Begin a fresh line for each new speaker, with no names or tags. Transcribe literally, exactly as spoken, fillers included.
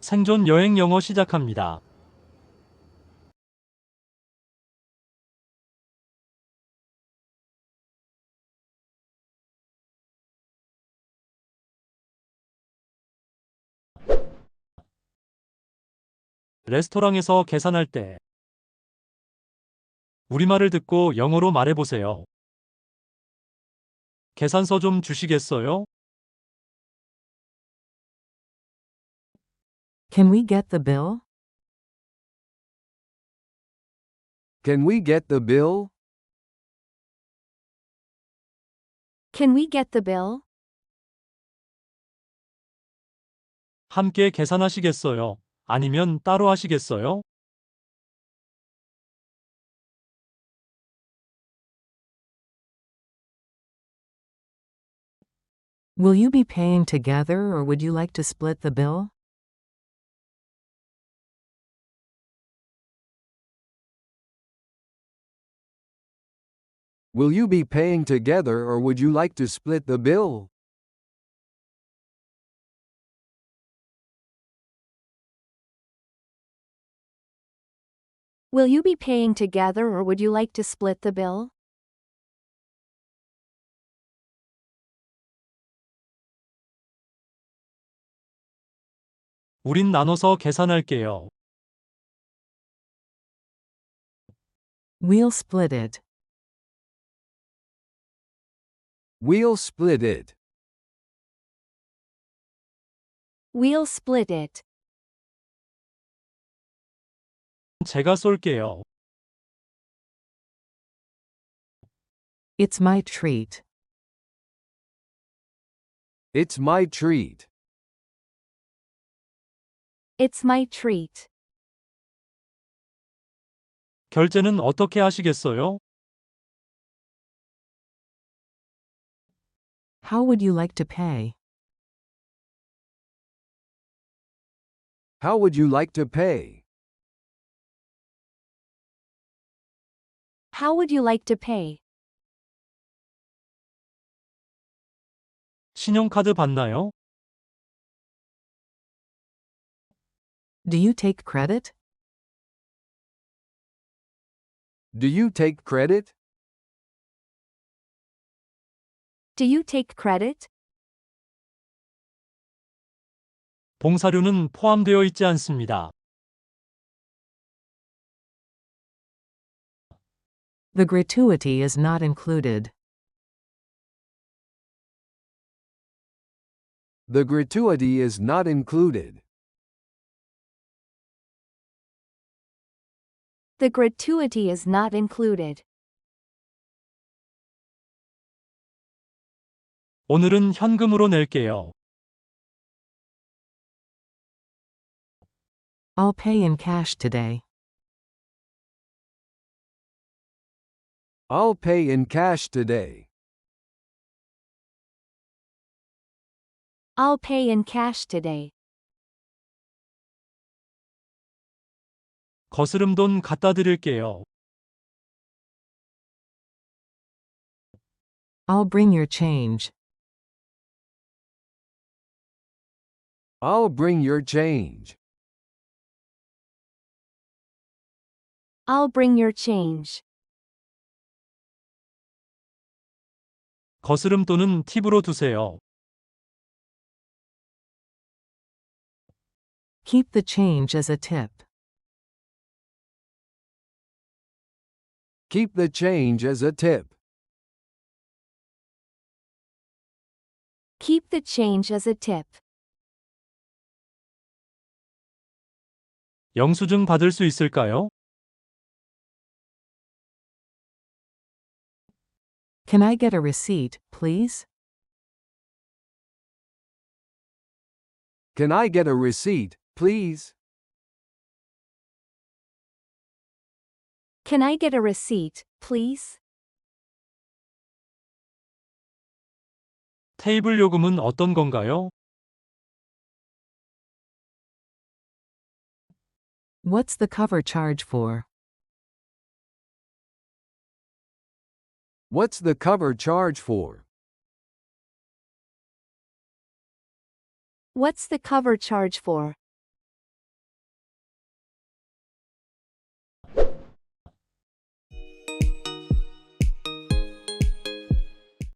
생존 여행 영어 시작합니다. 레스토랑에서 계산할 때 우리말을 듣고 영어로 말해보세요. 계산서 좀 주시겠어요?
Can we get the bill?
Can we get the bill?
Can we get the bill?
함께 계산하시겠어요? 아니면 따로 하시겠어요?
Will you be paying together or would you like to split the bill?
Will you be paying together or would you like to split the bill?
Will you be paying together or would you like to split the bill?
우린 나눠서 계산할게요.
We'll split it.
We'll split it.
We'll split it.
제가 쏠게요.
It's my treat.
It's my treat.
It's my treat.
결제는 어떻게 하시겠어요?
How would you like to pay?
How would you like to pay?
How would you like to pay?
신용카드 받나요?
Do you take credit?
Do you take credit?
Do you take credit?
봉사료는 포함되어 있지 않습니다.
The gratuity is not included.
The gratuity is not included.
The gratuity is not included.
오늘은 현금으로 낼게요.
I'll pay in cash today.
I'll pay in cash today.
I'll pay in cash today.
거스름 돈 갖다 드릴게요.
I'll bring your change.
I'll bring your change.
I'll bring your change.
거스름 돈은 팁으로 두세요.
Keep the change as a tip.
Keep the change as a tip.
Keep the change as a tip.
영수증 받을 수 있을까요?
Can I get a receipt, please?
Can I get a receipt, please?
Can I get a receipt, please?
테이블 요금은 어떤 건가요?
What's the cover charge for?
What's the cover charge for?
What's the cover charge for?